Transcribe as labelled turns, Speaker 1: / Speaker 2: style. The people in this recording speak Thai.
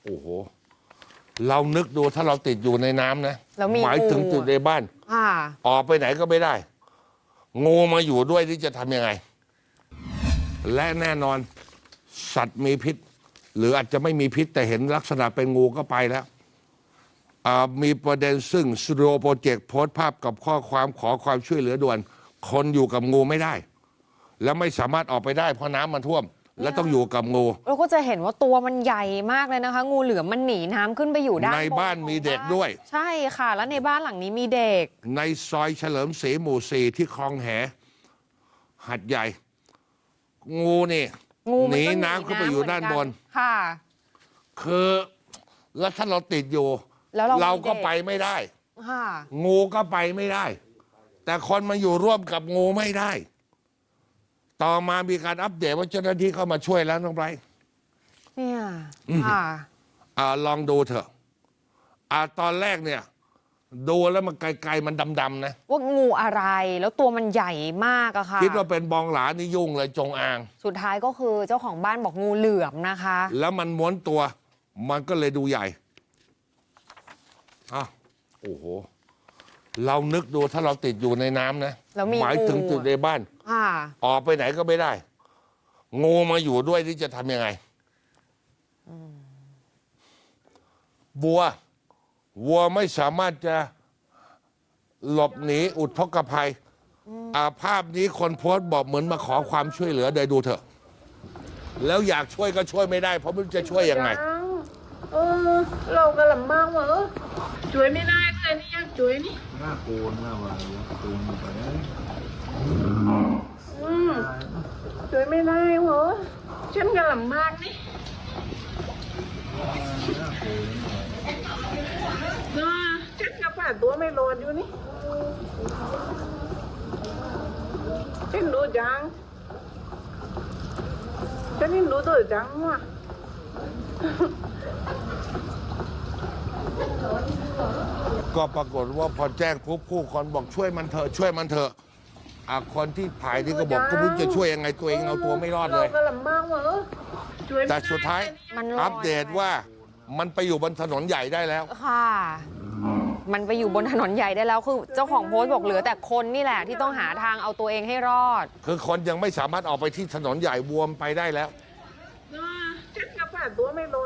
Speaker 1: โอ้โหเรานึกดูถ้าเราติดอยู่ในน้ำนะ
Speaker 2: แล้วมี
Speaker 1: หมายถึงติดในบ้าน
Speaker 2: ค่ะ
Speaker 1: ออกไปไหนก็ไม่ได้ งูมาอยู่ด้วยที่จะทำยังไง และแน่นอนสัตว์มีพิษ หรืออาจจะไม่มีพิษแต่เห็นลักษณะเป็นงูก็ไปแล้วมีประเด็นซึ่งสตูดิโอโปรเจกต์โพสต์ภาพกับข้อความขอความช่วยเหลือด่วน คนอยู่กับงูไม่ได้ และไม่สามารถออกไปได้เพราะน้ำมันท่วม และต้องอยู่กับงู
Speaker 2: เราก็จะเห็นว่าตัวมันใหญ่มากเลยนะคะ งูเหลือมมันหนีน้ำขึ้นไปอยู่ด้าน
Speaker 1: ในบ้านมีเด็กด้วย
Speaker 2: ใช่ค่ะ แล้วในบ้านหลังนี้มีเด็ก
Speaker 1: ในซอยเฉลิมศรีหมู่ 4 ที่คลองแหหัดใหญ่ งูนี่
Speaker 2: งูมั
Speaker 1: หนี
Speaker 2: ก็
Speaker 1: น้ำขึ้นไปอยู่ด้านบน
Speaker 2: ค่ะ
Speaker 1: คือแล้วถ้าเราติดอยู่
Speaker 2: แล้วเรา
Speaker 1: ก็
Speaker 2: มีเด็ก
Speaker 1: ไปไม่ได้
Speaker 2: ค่ะ
Speaker 1: งูก็ไปไม่ได้ แต่คนมาอยู่ร่วมกับงูไม่ได้ ต่อมามีการอัปเดตว่าเจ้าหน้าที่เข้ามาช่วยแล้วน้องไบรท์
Speaker 2: เนี่ยค่ะ
Speaker 1: ลองดูเถอะตอนแรกเนี่ย ดูแล้วมันไกลๆมันดำๆนะ
Speaker 2: ว่างูอะไรแล้วตัวมันใหญ่มากอะค่ะ
Speaker 1: คิดว่าเป็นบองหลานี่ยุ่งเลยจงอาง
Speaker 2: สุดท้ายก็คือเจ้าของบ้านบอกงูเหลือมนะคะ
Speaker 1: แล้วมันม้วนตัว มันก็เลยดูใหญ่โอ้โห เรานึกดูถ้าเราติดอยู่ในน้ำนะ
Speaker 2: แล้วมี
Speaker 1: หมายถึง
Speaker 2: งู
Speaker 1: ติดในบ้าน
Speaker 2: ค่ะ
Speaker 1: ออกไปไหนก็ไม่ได้ งูมาอยู่ด้วยที่จะทำยังไงวัวไม่สามารถจะหลบหนีอุทกภัยภาพนี้คนโพสต์บอกเหมือนมาขอความช่วยเหลือเดี๋ยวดูเถอะ แล้วอยากช่วยก็ช่วยไม่ได้ เพราะไม่รู้จะช่วยยังไง
Speaker 3: เราก็ลำบากว่ะช่วยไม่ได้เลยนี่อยากช่วยนี่
Speaker 4: หน้าโกนหน้าว่าโกนลงไปนะ
Speaker 3: ช่วยไม่ได้เหรอฉันก็ลำบากนี่ฉันก็ผ่าตัวไม่รอดอยู่นี่ฉันดูจังฉันนี่ดูตัวจังว่ะ
Speaker 1: ก็ปรากฏว่าพอแจ้งปุ๊บผู้คนบอกช่วยมันเถอะช่วยมันเถอะคนที่ถ่ายนี่ก็บอกก็ไม่รู้จะช่วยยังไงตัวเองเอาตัวไม่รอดเลย
Speaker 3: เราก็ลำบากว่ะช่วยไม่
Speaker 1: แต่
Speaker 3: ได้
Speaker 1: สุดท้าย
Speaker 2: มันลอย
Speaker 1: อัปเดตว่ามันไปอยู่บนถนนใหญ่ได้แล้ว
Speaker 2: ค่ะ มันไปอยู่บนถนนใหญ่ได้แล้วคือเจ้าของโพสต์บอกเหลือแต่คนนี่แหละที่ต้องหาทางเอาตัวเองให้รอด
Speaker 1: คือคนยังไม่สามารถออกไปที่ถนนใหญ่บวมไปได้แล้ว
Speaker 3: ฉันก็ผ่าตัวไม่รอด